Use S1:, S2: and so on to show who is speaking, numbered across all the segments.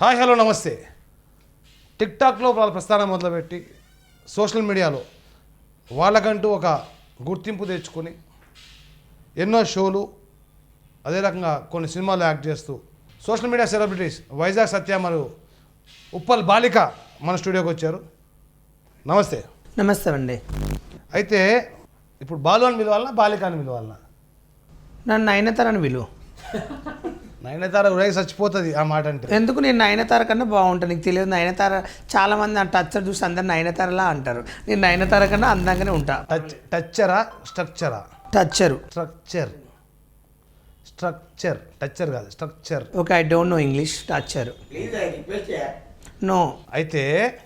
S1: Hi hello నమస్తే. టిక్టాక్లో వాళ్ళ ప్రస్థానం మొదలుపెట్టి సోషల్ మీడియాలో వాళ్ళకంటూ ఒక గుర్తింపు తెచ్చుకొని ఎన్నో షోలు అదే రకంగా కొన్ని సినిమాలు యాక్ట్ చేస్తూ social media celebrities Vizag Satya మరియు ఉప్పల్ బాలిక మన స్టూడియోకి వచ్చారు. నమస్తే.
S2: నమస్తే అండి.
S1: అయితే ఇప్పుడు బాలు అని పిలవాలన్నా బాలిక అని పిలవాలన్నా?
S2: నన్ను నయనతార అని పిలువు.
S1: నయనతార ఉదయం చచ్చిపోతుంది ఆ మాట అంటే.
S2: ఎందుకు? నేను నయనతార కన్నా బాగుంటాను. నీకు తెలియదు, నయనతార చాలామంది ఆ టచ్చర్ చూసి అందరు నయనతారలా అంటారు. నేను నయనతార కన్నా అందంగానే ఉంటా.
S1: టచ్చరా స్ట్రక్చరా?
S2: టచ్చరు.
S1: స్ట్రక్చర్ టచ్చర్ కాదు, structure.
S2: Okay, I don't know English. టచ్చరు నో.
S1: అయితే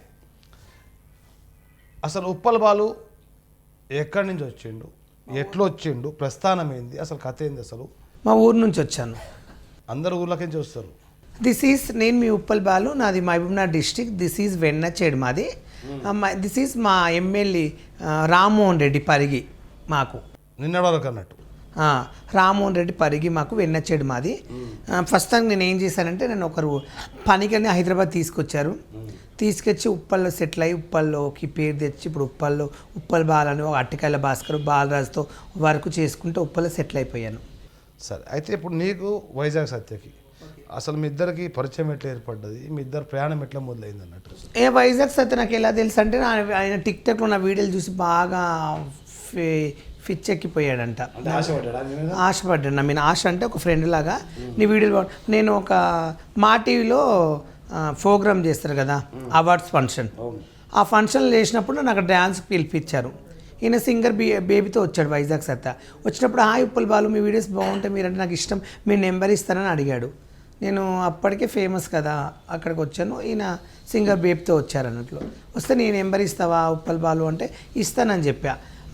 S1: అసలు ఉప్పల్ బాలు ఎక్కడి నుంచి వచ్చిండు, ఎట్లా వచ్చిండు, ప్రస్థానం ఏంది, అసలు కథ ఏంది? అసలు
S2: మా ఊరు నుంచి వచ్చాను.
S1: అందరు ఊర్లకించి వస్తారు.
S2: నేను మీ ఉప్పల్ బాలు, నాది Mahabubnagar district. This is Vennachedu మాది. దిస్ ఈజ్ మా ఎమ్మెల్యే రామ్మోహన్ రెడ్డి పరిగి. మాకు
S1: నిన్నటి వరకు అన్నట్టు
S2: రామ్మోహన్ రెడ్డి పరిగి మాకు వెన్నచేడు మాది. ఫస్ట్ టైం నేను ఏం చేశానంటే, నేను ఒకరు పనికని హైదరాబాద్ తీసుకొచ్చారు. తీసుకొచ్చి ఉప్పల్లో సెటిల్ అయ్యి ఉప్పల్లోకి పేరు తెచ్చి ఇప్పుడు ఉప్పల్ బాలని ఒక అట్టికాయల భాస్కర్ బాలరాజుతో వర్క్ చేసుకుంటూ ఉప్పల్లో సెటిల్ అయిపోయాను.
S1: సరే, అయితే ఇప్పుడు నీకు వైజాగ్ సత్యకి అసలు మీ ఇద్దరికి పరిచయం ఎట్లా ఏర్పడ్డది, మీ ఇద్దరు ప్రయాణం ఎట్లా మొదలైంది అన్నట్టు?
S2: వైజాగ్ సత్య నాకు ఎలా తెలుసు అంటే, ఆయన టిక్టాక్లో నా వీడియోలు చూసి బాగా ఫిచ్చెక్కిపోయాడంట. ఆశపడ్డాడు. ఆశ అంటే ఒక ఫ్రెండ్ లాగా నీ వీడియోలు. నేను ఒక మా టీవీలో ప్రోగ్రామ్ చేస్తారు కదా, అవార్డ్స్ ఫంక్షన్. ఆ ఫంక్షన్లు చేసినప్పుడు నాకు డ్యాన్స్కి పిలిపించారు. ఈయన సింగర్ బేబీతో వచ్చాడు వైజాగ్ సత్తా. వచ్చినప్పుడు హాయ్ ఉప్పల్ బాలు, మీ వీడియోస్ బాగుంటాయి, మీరంటే నాకు ఇష్టం, మీ నెంబర్ ఇస్తానని అడిగాడు. నేను అప్పటికే ఫేమస్ కదా, అక్కడికి వచ్చాను. ఈయన సింగర్ బేబీతో వచ్చారు అన్నట్లు. వస్తే నీ నెంబర్ ఇస్తావా ఉప్పల్ బాలు అంటే ఇస్తానని చెప్పా.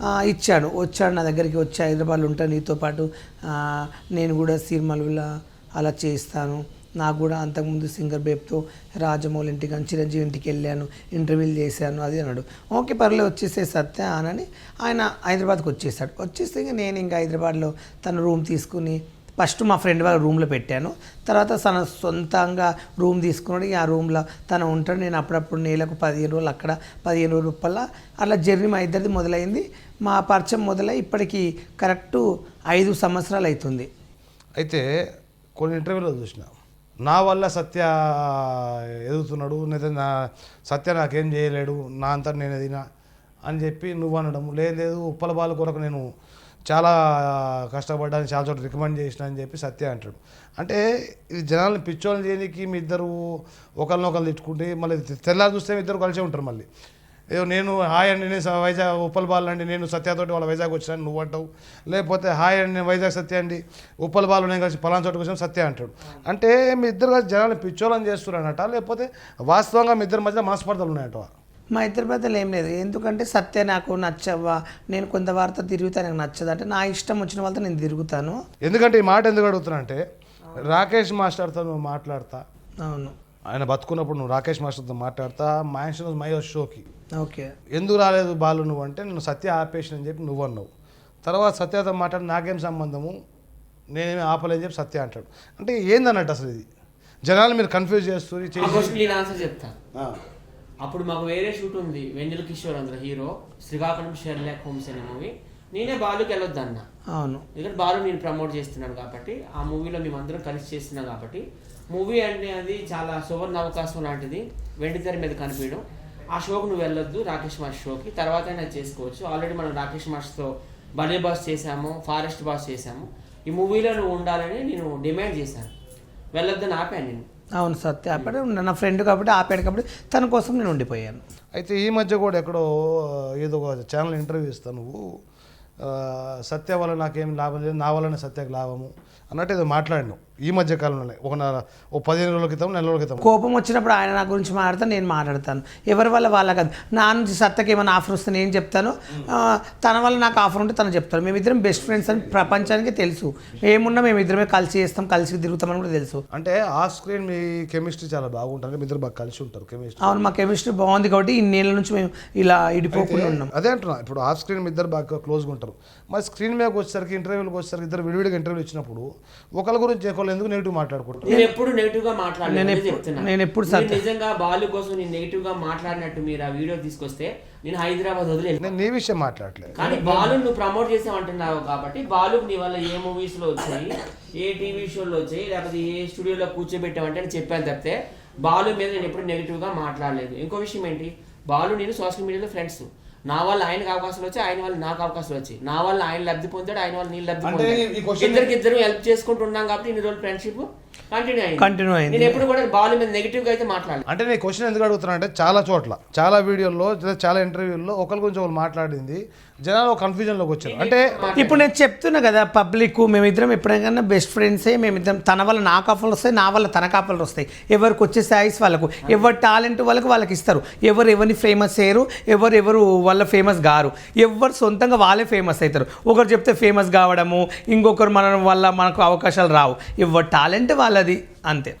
S2: వచ్చాడు నా దగ్గరికి. వచ్చి హైదరాబాద్లో ఉంటాను, నీతో పాటు నేను కూడా సినిమాలు అలా చేస్తాను, నాకు కూడా అంతకుముందు సింగర్ బేబ్తో రాజమౌళి ఇంటికి కానీ చిరంజీవి ఇంటికి వెళ్ళాను, ఇంటర్వ్యూలు చేశాను అది అన్నాడు. ఓకే పర్లేదు వచ్చేసే సత్య అని ఆయన హైదరాబాద్కి వచ్చేసాడు. వచ్చేస్తే నేను ఇంకా హైదరాబాద్లో తన రూమ్ తీసుకుని ఫస్ట్ మా ఫ్రెండ్ వాళ్ళ రూమ్లో పెట్టాను. తర్వాత తన సొంతంగా రూమ్ తీసుకున్నాడు. ఆ రూమ్లో తను ఉంటాడు. నేను అప్పుడప్పుడు నెలకు 15 రోజులు అక్కడ, 15 రోజులు ఉప్పల్లా అలా జర్నీ మా ఇద్దరిది మొదలైంది. మా పరిచయం మొదలై ఇప్పటికి కరెక్టు 5 సంవత్సరాలు అవుతుంది.
S1: అయితే కొన్ని ఇంటర్వ్యూలో చూసిన, నా వల్ల సత్య ఎదుగుతున్నాడు, లేదా నా సత్య నాకేం చేయలేడు, నా అంతా నేను ఎదినా అని చెప్పి నువ్వు అనడం. లేదు ఉప్పల బాలు కొరకు నేను చాలా కష్టపడ్డాను, చాలా చోట్ల రికమెండ్ చేసిన అని చెప్పి సత్య అంటాడు. అంటే ఇది జనాలను పిచ్చోళ్ళని చేయడానికి మీ ఇద్దరు ఒకరినొకరు తిట్టుకుంటే మళ్ళీ తెల్లారి చూస్తే మీ ఇద్దరు కలిసే ఉంటారు. మళ్ళీ ఏదో నేను హాయ్ అండి నేను వైజాగ్ ఉప్పల్ బాలు అండి నేను సత్యతోటి వాళ్ళ వైజాగ్ వచ్చినాను నువ్వు అంటావు, లేకపోతే హాయ్ అండి నేను వైజాగ్ సత్య అండి ఉప్పల్ బాలు నేను కలిసి పలానా చోటుకు వచ్చాను సత్య అంటాడు. అంటే మీ ఇద్దరు కలిసి జనాలను పిచ్చోళ్ళని చేస్తున్నారనట, లేకపోతే వాస్తవంగా మీ ఇద్దరి మధ్య మనస్పర్ధలు ఉన్నాయట?
S2: మా ఇద్దరి మధ్యలో ఏం లేదు. ఎందుకంటే సత్య నాకు నచ్చవా, నేను కొంత వారితో తిరుగుతా, నాకు నచ్చదు అంటే నా ఇష్టం వచ్చిన వాళ్ళతో నేను తిరుగుతాను.
S1: ఎందుకంటే ఈ మాట ఎందుకు అడుగుతున్నా అంటే, రాకేష్ మాస్టర్తో నువ్వు మాట్లాడతా,
S2: అవును
S1: ఆయన బతుకున్నప్పుడు నువ్వు రాకేష్ మాస్టర్తో మాట్లాడతా మ్యాన్షన్ మై షోకి
S2: ఓకే
S1: ఎందుకు రాలేదు బాలు నువ్వు అంటే, నేను సత్య ఆపేషన్ అని చెప్పి నువ్వు అన్నావు. తర్వాత సత్యతో మాట్లాడి నాకేం సంబంధము, నేనేమి ఆపలేని చెప్పి సత్య అంటాడు. అంటే ఏందన్నట్టు అసలు ఇది జనాలు మీరు కన్ఫ్యూజ్ చేస్తుంది.
S3: చెప్తా. అప్పుడు మాకు వేరే షూట్ ఉంది, వెంజల్ కిషోర్ అందరూ హీరో, శ్రీకాకుళం షెర్లాక్ హోమ్స్ అనే మూవీ. నేనే బాలుకి వెళ్ళొద్దు అన్న.
S2: అవును,
S3: ఎందుకంటే బాలు నేను ప్రమోట్ చేస్తున్నాను కాబట్టి, ఆ మూవీలో మేమందరం కలిసి చేస్తున్నాం కాబట్టి. మూవీ అంటే అది చాలా సువర్ణ అవకాశం లాంటిది, వెండితెర మీద కనిపించడం. ఆ షోకి నువ్వు వెళ్ళొద్దు, రాకేష్ మాస్టర్ షోకి, తర్వాత అయినా చేసుకోవచ్చు. ఆల్రెడీ మనం రాకేష్ మాస్టర్తో బర్త్డే బాస్ చేశాము, ఫారెస్ట్ బాస్ చేశాము. ఈ మూవీలో నువ్వు ఉండాలని నేను డిమాండ్ చేశాను, వెళ్ళొద్దని ఆపాను నేను.
S2: అవును సత్య ఆపాడు, నా ఫ్రెండ్ కాబట్టి ఆపాడు కాబట్టి తన కోసం నేను ఉండిపోయాను.
S1: అయితే ఈ మధ్య కూడా ఎక్కడో ఏదో ఒక ఛానల్ ఇంటర్వ్యూ ఇస్తాను, నువ్వు సత్య వల్ల నాకేం లాభం లేదు, నా వల్లనే సత్యకు లాభము అన్నట్టు ఏదో మాట్లాడినావు ఈ మధ్య కాలంలోనే. ఒక 15 రోజుల క్రితం, నెల రోజుల క్రితం.
S2: కోపం వచ్చినప్పుడు ఆయన నా గురించి మాట్లాడతాను, నేను మాట్లాడతాను. ఎవరి వల్ల వాళ్ళ కాదు. నా నుంచి సత్యకి ఏమైనా ఆఫర్ వస్తే నేను చెప్తాను, తన వల్ల నాకు ఆఫర్ ఉంటే తను చెప్తాను. మేమిద్దరం బెస్ట్ ఫ్రెండ్స్ అని ప్రపంచానికి తెలుసు. ఏమున్నా మేమిద్దరమే కలిసి చేస్తాం, కలిసి తిరుగుతామని కూడా తెలుసు.
S1: అంటే ఆఫ్ స్క్రీన్ మీ కెమిస్ట్రీ చాలా బాగుంటుంది, మీ ఇద్దరు బాగా కలిసి ఉంటారు కెమిస్ట్రీ.
S2: అవును, మా కెమిస్ట్రీ బాగుంది కాబట్టి ఇన్నేళ్ళ నుంచి మేము ఇలా ఇడిపోకుండా ఉన్నాం.
S1: అదే అంటున్నా, ఇప్పుడు ఆఫ్ స్క్రీన్ మీ ఇద్దరు బాగా క్లోజ్గా ఉంటారు. మరి స్క్రీన్ మీదకి వచ్చేసరికి, ఇంటర్వ్యూలకు వచ్చేసరికి ఇద్దరు విడివిడిగా ఇంటర్వ్యూలు ఇచ్చినప్పుడు ఒకరి గురించి ఒకరు ఎందుకు నెగిటివ్ మాట్లాడుకుంటారు?
S3: నేను ఎప్పుడు నెగిటివ్ గా మాట్లాడలేదు చెప్తున్నా.
S2: నేను ఎప్పుడు
S3: నిజంగా బాలు కోసం నేను నెగిటివ్ గా మాట్లాడినట్టు మీరు ఆ వీడియో తీసుకొస్తే నేను హైదరాబాద్ వదిలేదు.
S1: నేను నీ విషయం మాట్లాడలేదు.
S3: కానీ బాలు నువ్వు ప్రమోట్ చేసామంటున్నావు కాబట్టి బాలు నీ వల్ల ఏ మూవీస్ లో వచ్చాయి, ఏ టీవీ షోలో వచ్చాయి, లేకపోతే ఏ స్టూడియోలో కూర్చోబెట్టామంటే నేను చెప్పాను తప్పితే బాలు మీద నేను ఎప్పుడు నెగిటివ్ గా మాట్లాడలేదు. ఇంకో విషయం ఏంటి, బాలు నేను సోషల్ మీడియాలో ఫ్రెండ్స్. నా వల్ల ఆయనకు అవకాశాలు వచ్చాయి, ఆయన వల్ల నాకు అవకాశాలు వచ్చాయి. నా వల్ల ఆయన లబ్ధి పొందాడు, ఆయన వల్ల నేను లబ్ధి పొందాడు. ఇద్దరు హెల్ప్ చేసుకుంటూ ఉన్నాం కాబట్టి ఇన్ని రోజులు ఫ్రెండ్షిప్ కంటిన్యూ అయింది. నేను ఎప్పుడు కూడా బాలు మీద నెగిటివ్ గా అయితే మాట్లాడలేదు.
S1: అంటే నేను క్వశ్చన్ ఎందుకు అడుగుతున్నా అంటే చాలా చోట్ల, చాలా వీడియోల్లో, చాలా ఇంటర్వ్యూల్లో ఒకరి గురించి ఒకరు మాట్లాడింది జనాలు కన్ఫ్యూజన్లోకి వచ్చారు. అంటే
S2: ఇప్పుడు నేను చెప్తున్నా కదా, పబ్లిక్ మేమిద్దరం ఎప్పుడైనా బెస్ట్ ఫ్రెండ్సే. మేమిద్దరం తన వల్ల నాకు ఆఫర్లు వస్తాయి, నా వల్ల తనకు ఆఫర్లు వస్తాయి. ఎవరికి వచ్చే సాయిస్ వాళ్ళకు, ఎవరి టాలెంట్ వాళ్ళకి ఇస్తారు. ఎవరిని ఫేమస్ చేయరు, ఎవరు వాళ్ళ ఫేమస్ గారు. ఎవరు సొంతంగా వాళ్ళే ఫేమస్ అవుతారు. ఒకరు చెప్తే ఫేమస్ కావడము, ఇంకొకరు మన వల్ల మనకు అవకాశాలు రావు. ఎవరి టాలెంట్ వాళ్ళది అంతే.